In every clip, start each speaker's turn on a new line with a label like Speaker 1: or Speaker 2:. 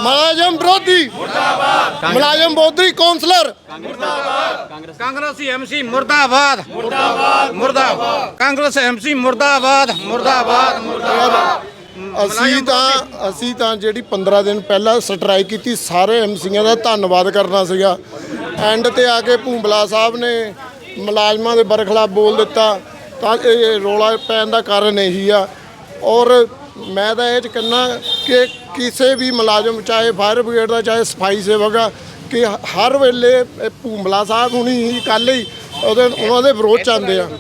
Speaker 1: मुलाजम विरोधी मुलाजम विरोधी कौंसलर
Speaker 2: कांग्रेसी एमसी मुर्दाबाद मुर्दाबाद कांग्रेस एमसी मुर्दाबाद मुर्दाबाद
Speaker 1: ਅਸੀਂ ਤਾਂ ਜਿਹੜੀ 15 ਦਿਨ ਪਹਿਲਾਂ ਸਟ੍ਰਾਈਕ ਕੀਤੀ ਸਾਰੇ ਐਮਸੀਆਂ ਦਾ ਧੰਨਵਾਦ ਕਰਨਾ ਸੀਗਾ। ਐਂਡ ਤੇ ਆ ਕੇ ਭੂੰਬਲਾ ਸਾਹਿਬ ਨੇ ਮੁਲਾਜ਼ਮਾਂ ਦੇ ਬਰਖਲਾਫ ਬੋਲ ਦਿੱਤਾ ਤਾਂ ਇਹ ਰੌਲਾ ਪੈਣ ਦਾ ਕਾਰਨ ਇਹੀ ਆ। ਔਰ ਮੈਂ ਤਾਂ ਇਹ 'ਚ ਕਹਿੰਦਾ ਕਿ ਕਿਸੇ ਵੀ ਮੁਲਾਜ਼ਮ ਚਾਹੇ ਫਾਇਰ ਬ੍ਰਿਗੇਡ ਦਾ ਚਾਹੇ ਸਫਾਈ ਸੇਵਕ ਆ ਕਿ ਹਰ ਵੇਲੇ ਭੂੰਬਲਾ ਸਾਹਿਬ ਹੁਣੀ ਕੱਲ੍ਹ ਹੀ ਉਹਨਾਂ ਦੇ ਵਿਰੋਧ 'ਚ ਆਉਂਦੇ ਆ।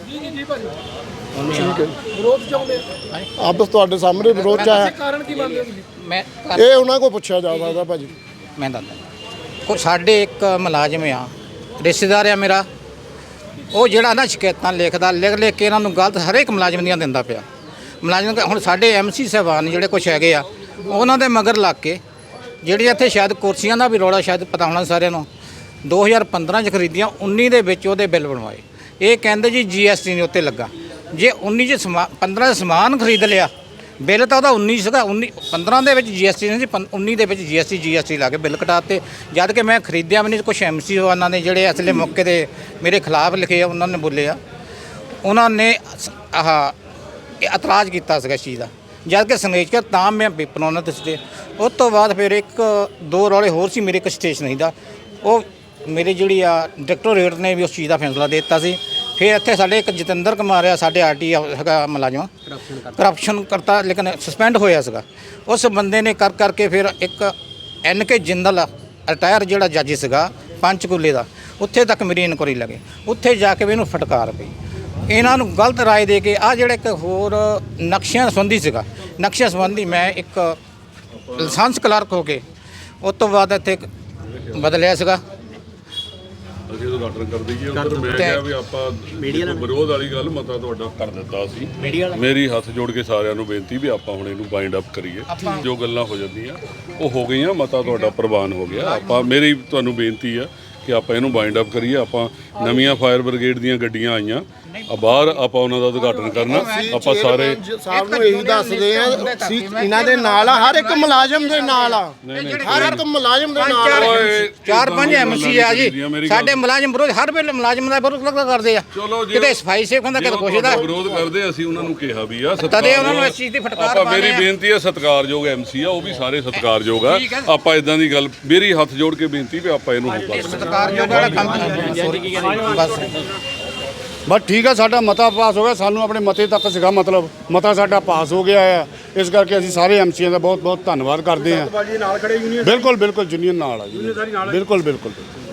Speaker 1: ਠੀਕ ਹੈ ਵਿਰੋਧ ਚਾਹੁੰਦੇ ਆਪਸ ਤੁਹਾਡੇ ਸਾਹਮਣੇ ਵਿਰੋਧ 'ਚ ਆਇਆ ਕਾਰਨ ਕੀ ਮੰਨਦੇ ਹੋ
Speaker 2: ਮੈਂ
Speaker 1: ਇਹ ਉਹਨਾਂ ਕੋਲ ਪੁੱਛਿਆ ਜਾ ਸਕਦਾ ਭਾਜੀ।
Speaker 2: ਮੈਂ ਦੱਸਦਾ ਕੋਈ ਸਾਡੇ ਇੱਕ ਮੁਲਾਜ਼ਮ ਆ ਰਿਸ਼ਤੇਦਾਰ ਆ ਮੇਰਾ ਉਹ ਜਿਹੜਾ ਨਾ ਸ਼ਿਕਾਇਤਾਂ ਲਿਖ ਕੇ ਇਹਨਾਂ ਨੂੰ ਗਲਤ ਹਰੇਕ ਮੁਲਾਜ਼ਮ ਦੀਆਂ ਦਿੰਦਾ ਪਿਆ। ਮੁਲਾਜ਼ਮ ਹੁਣ ਸਾਡੇ ਐਮਸੀ ਸਾਹਿਬਾਨ ਜਿਹੜੇ ਕੁਛ ਹੈਗੇ ਆ ਉਹਨਾਂ ਦੇ ਮਗਰ ਲੱਗ ਕੇ ਜਿਹੜੀ ਇੱਥੇ ਸ਼ਾਇਦ ਕੁਰਸੀਆਂ ਦਾ ਵੀ ਰੌਲਾ ਸ਼ਾਇਦ ਪਤਾ ਹੋਣਾ ਸਾਰਿਆਂ ਨੂੰ 2015 'ਚ ਖਰੀਦੀਆਂ 19 ਦੇ ਵਿੱਚ ਉਹਦੇ ਬਿੱਲ ਬਣਵਾਏ। ਇਹ ਕਹਿੰਦੇ ਜੀ GST ਨਹੀਂ ਉੱਤੇ ਲੱਗਾ। ਜੇ 19 'ਚ 15 'ਚ ਸਮਾਨ ਖਰੀਦ ਲਿਆ ਬਿੱਲ ਤਾਂ ਉਹਦਾ 19 ਸੀਗਾ 15 ਦੇ ਵਿੱਚ GST ਨਹੀਂ ਸੀ 19 ਦੇ ਵਿੱਚ GST ਲਾ ਕੇ ਬਿੱਲ ਕਟਾਤੇ। ਜਦ ਕਿ ਮੈਂ ਖਰੀਦਿਆ ਵੀ ਨਹੀਂ। ਕੁਛ ਐਮਸੀ ਉਹਨਾਂ ਨੇ ਜਿਹੜੇ ਅਸਲੇ ਮੌਕੇ 'ਤੇ ਮੇਰੇ ਖਿਲਾਫ ਲਿਖੇ ਆ ਉਹਨਾਂ ਨੇ ਬੋਲੇ ਆ ਉਹਨਾਂ ਨੇ ਇਤਰਾਜ਼ ਕੀਤਾ ਸੀਗਾ ਇਸ ਚੀਜ਼ ਦਾ। ਜਦ ਕਿ ਸੰਗੇਸ਼ ਕਰ ਤਾਂ ਮੈਂ ਪੇਪਰ ਉਹਨਾਂ ਦਿੱਤੇ। ਉਸ ਤੋਂ ਬਾਅਦ ਫਿਰ ਇੱਕ ਦੋ ਰੌਲੇ ਹੋਰ ਸੀ ਮੇਰੇ ਇੱਕ ਸਟੇਸ਼ਨਰੀ ਦਾ ਉਹ ਮੇਰੇ ਜਿਹੜੀ ਆ ਡਾਇਰੈਕਟੋਰੇਟ ਨੇ ਵੀ ਉਸ ਚੀਜ਼ ਦਾ ਫੈਸਲਾ ਦੇ ਦਿੱਤਾ ਸੀ। ਫਿਰ ਇੱਥੇ ਸਾਡੇ ਇੱਕ ਜਤਿੰਦਰ ਕੁਮਾਰ ਆ ਸਾਡੇ RT ਹੈਗਾ ਮੁਲਾਜ਼ਮ ਕਰਪਸ਼ਨ ਕਰਤਾ ਲੇਕਿਨ ਸਸਪੈਂਡ ਹੋਇਆ ਸੀਗਾ। ਉਸ ਬੰਦੇ ਨੇ ਕਰਕੇ ਫਿਰ ਇੱਕ NK ਜਿੰਦਲ ਰਿਟਾਇਰ ਜਿਹੜਾ ਜੱਜ ਸੀਗਾ ਪੰਚਕੂਲੇ ਦਾ ਉੱਥੇ ਤੱਕ ਮੇਰੀ ਇਨਕੁਆਰੀ ਲੱਗੇ। ਉੱਥੇ ਜਾ ਕੇ ਵੀ ਇਹਨੂੰ ਫਟਕਾਰ ਪਈ। ਇਹਨਾਂ ਨੂੰ ਗਲਤ ਰਾਏ ਦੇ ਕੇ ਆ ਜਿਹੜਾ ਇੱਕ ਹੋਰ ਨਕਸ਼ਿਆਂ ਸੰਬੰਧੀ ਸੀਗਾ ਨਕਸ਼ਿਆਂ ਸੰਬੰਧੀ ਮੈਂ ਇੱਕ ਲਾਇਸੈਂਸ ਕਲਰਕ ਹੋ ਕੇ ਉਸ ਤੋਂ ਬਾਅਦ ਇੱਥੇ ਬਦਲਿਆ ਸੀਗਾ।
Speaker 3: ਅਸੀਂ ਉਦਘਾਟਨ ਕਰ ਦਈਏ ਉੱਧਰ ਮੈਂ ਕਿਹਾ ਵੀ ਆਪਾਂ ਵਿਰੋਧ ਵਾਲੀ ਗੱਲ ਮਤਾ ਤੁਹਾਡਾ ਕਰ ਦਿੱਤਾ ਸੀ। ਮੇਰੀ ਹੱਥ ਜੋੜ ਕੇ ਸਾਰਿਆਂ ਨੂੰ ਬੇਨਤੀ ਵੀ ਆਪਾਂ ਹੁਣ ਇਹਨੂੰ ਬਾਈਂਡ ਅਪ ਕਰੀਏ। ਜੋ ਗੱਲਾਂ ਹੋ ਜਾਂਦੀਆਂ ਉਹ ਹੋ ਗਈਆਂ ਮਤਾ ਤੁਹਾਡਾ ਪ੍ਰਵਾਨ ਹੋ ਗਿਆ। ਆਪਾਂ ਮੇਰੀ ਤੁਹਾਨੂੰ ਬੇਨਤੀ ਆ ਕਿ ਆਪਾਂ ਇਹਨੂੰ ਬਾਈਂਡ ਅਪ ਕਰੀਏ। ਆਪਾਂ ਨਵੀਆਂ ਫਾਇਰ ਬ੍ਰਿਗੇਡ ਦੀਆਂ ਗੱਡੀਆਂ ਆਈਆਂ ਬਾਹਰ ਆਪਾਂ ਉਹਨਾਂ ਦਾ ਉਦਘਾਟਨ ਕਰਨਾ। ਆਪਾਂ ਸਾਰੇ
Speaker 1: ਸਾਹਿਬ ਨੂੰ ਇਹੀ ਦੱਸਦੇ ਆ ਇਹਨਾਂ ਦੇ ਨਾਲ ਆ ਹਰ ਇੱਕ ਮੁਲਾਜ਼ਮ ਦੇ ਨਾਲ ਆ ਹਰ ਇੱਕ ਮੁਲਾਜ਼ਮ ਦੇ ਨਾਲ
Speaker 2: 4-5 ਐਮਸੀ ਆ ਜੀ ਸਾਡੇ ਮੁਲਾਜ਼ਮ ਵਿਰੋਧ ਹਰ ਵੇਲੇ ਮੁਲਾਜ਼ਮ ਦਾ ਵਿਰੋਧ ਕਰਦੇ ਆ। ਕਿਤੇ ਸਫਾਈ ਸੇਵਕ ਹੁੰਦਾ ਕਿਤੇ ਕੁਛ ਦਾ
Speaker 3: ਵਿਰੋਧ ਕਰਦੇ। ਅਸੀਂ ਉਹਨਾਂ ਨੂੰ ਕਿਹਾ ਵੀ ਆ
Speaker 2: ਤਦੇ ਉਹਨਾਂ ਨੂੰ ਇਸ ਚੀਜ਼ ਦੀ ਫਟਕਾਰ
Speaker 3: ਆਪਾਂ ਮੇਰੀ ਬੇਨਤੀ ਆ ਸਤਿਕਾਰਯੋਗ ਐਮਸੀ ਆ ਉਹ ਵੀ ਸਾਰੇ ਸਤਿਕਾਰਯੋਗ ਆ। ਆਪਾਂ ਇਦਾਂ ਦੀ ਗੱਲ ਮੇਰੀ ਹੱਥ ਜੋੜ ਕੇ ਬੇਨਤੀ ਵੀ ਆਪਾਂ ਇਹਨੂੰ
Speaker 2: ਸਤਿਕਾਰਯੋਗ ਵਾਲਾ ਕੰਮ ਬਸ
Speaker 4: ਬਸ ਠੀਕ ਆ। ਸਾਡਾ ਮਤਾ ਪਾਸ ਹੋ ਗਿਆ। ਸਾਨੂੰ ਆਪਣੇ ਮਤੇ ਤੱਕ ਸੀਗਾ ਮਤਲਬ ਮਤਾ ਸਾਡਾ ਪਾਸ ਹੋ ਗਿਆ ਆ। ਇਸ ਕਰਕੇ ਅਸੀਂ ਸਾਰੇ ਐਮਸੀਆਂ ਦਾ ਬਹੁਤ ਬਹੁਤ ਧੰਨਵਾਦ ਕਰਦੇ ਹਾਂ। ਬਿਲਕੁਲ ਯੂਨੀਅਨ ਨਾਲ ਆ ਜੀ ਬਿਲਕੁਲ।